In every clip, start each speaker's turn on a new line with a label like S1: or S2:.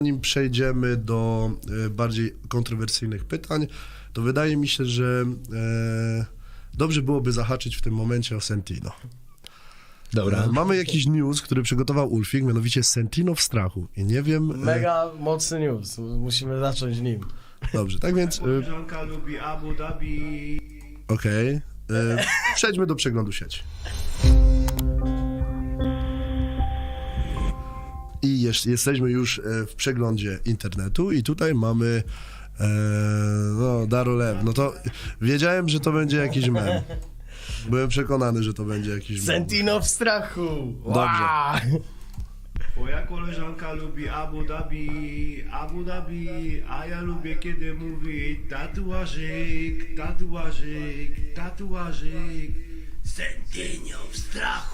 S1: Zanim przejdziemy do bardziej kontrowersyjnych pytań, to wydaje mi się, że dobrze byłoby zahaczyć w tym momencie o Sentino.
S2: Dobra.
S1: Mamy jakiś news, który przygotował Ulfik, mianowicie Sentino w strachu. I nie wiem...
S3: Mega mocny news, musimy zacząć nim.
S1: Dobrze, tak więc...
S4: Koleżanka lubi Abu Dhabi.
S1: Okej. Przejdźmy do przeglądu sieci. I jesteśmy już w przeglądzie internetu i tutaj mamy Darolew. No to wiedziałem, że to będzie jakiś mem. Byłem przekonany, że to będzie jakiś mem.
S3: Sentino w strachu!
S1: Dobrze.
S4: Moja koleżanka lubi Abu Dhabi, Abu Dhabi, a ja lubię kiedy mówi tatuażyk, tatuażyk, tatuażyk. Sentino w strachu.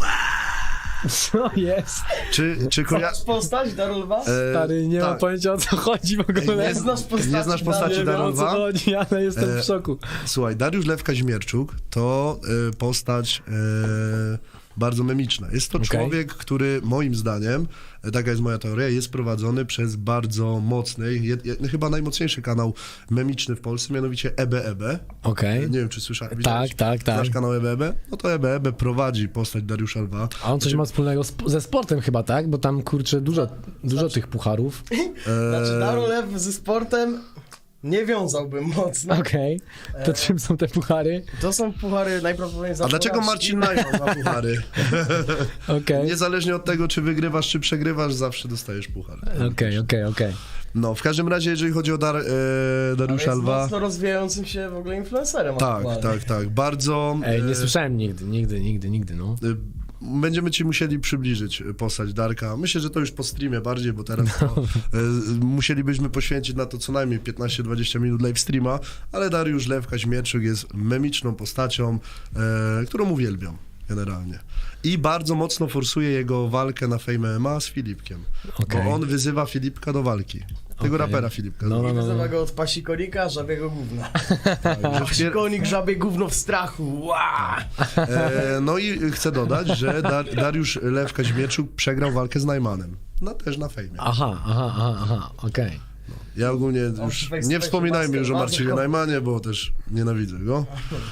S2: Co jest?
S1: Czy
S3: Znasz postać Darolwa?
S2: Stary, nie mam
S1: tak.
S2: pojęcia, o co chodzi w ogóle.
S1: Nie
S3: znasz postaci
S1: nie znasz postaci
S2: Nie wiem, o co
S1: Darolwa?
S2: chodzi, ale jestem w szoku.
S1: Słuchaj, Dariusz Lew Kaźmierczuk to postać bardzo memiczna. Jest to
S2: Okej.
S1: człowiek, który moim zdaniem, taka jest moja teoria, jest prowadzony przez bardzo mocny, chyba najmocniejszy kanał memiczny w Polsce, mianowicie EBEB.
S2: Okej.
S1: Nie wiem, czy słyszałeś?
S2: Tak.
S1: Znasz kanał EBEB? No to EBEB prowadzi postać Dariusza Lwa.
S2: A on coś ma wspólnego ze sportem chyba, tak? Bo tam, kurczę, dużo tych pucharów.
S3: Znaczy Darolew ze sportem nie wiązałbym mocno.
S2: Okej. To czym są te puchary?
S3: To są puchary najprawdopodobniej za
S1: A dlaczego
S3: porażki.
S1: Marcin Najman ma puchary?
S2: Okej.
S1: Niezależnie od tego, czy wygrywasz, czy przegrywasz, zawsze dostajesz puchar.
S2: Okej.
S1: No, w każdym razie, jeżeli chodzi o Dariusza
S3: Jest
S1: Lwa...
S3: mocno rozwijającym się w ogóle influencerem.
S1: Tak.
S3: aktualnie.
S1: Bardzo...
S2: Ej, nie słyszałem nigdy, no.
S1: Będziemy ci musieli przybliżyć postać Darka. Myślę, że to już po streamie bardziej, bo teraz to, musielibyśmy poświęcić na to co najmniej 15-20 minut live streama, ale Dariusz Lew Kaźmierczuk jest memiczną postacią, którą uwielbiam generalnie. I bardzo mocno forsuje jego walkę na Fame MMA z Filipkiem,
S2: Okej.
S1: bo on wyzywa Filipka do walki. Tego
S2: Okej.
S1: rapera Filipka.
S2: No.
S3: Nazywa go od pasikonika, żabiego gówna.
S1: Że
S3: Pasikonik, żabie gówno w strachu. Ła!
S1: No i chcę dodać, że Dariusz Lew Kaźmierczuk przegrał walkę z Najmanem. No też na fejmie.
S2: Aha, okej.
S1: Ja ogólnie już
S3: face to
S1: nie
S3: face
S1: wspominajmy już o
S3: bardzo
S1: Marcinie Najmanie, bo też nienawidzę go.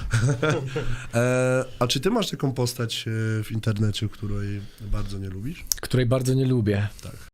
S1: A czy ty masz taką postać w internecie, której bardzo nie lubisz?
S2: Której bardzo nie lubię.
S1: Tak.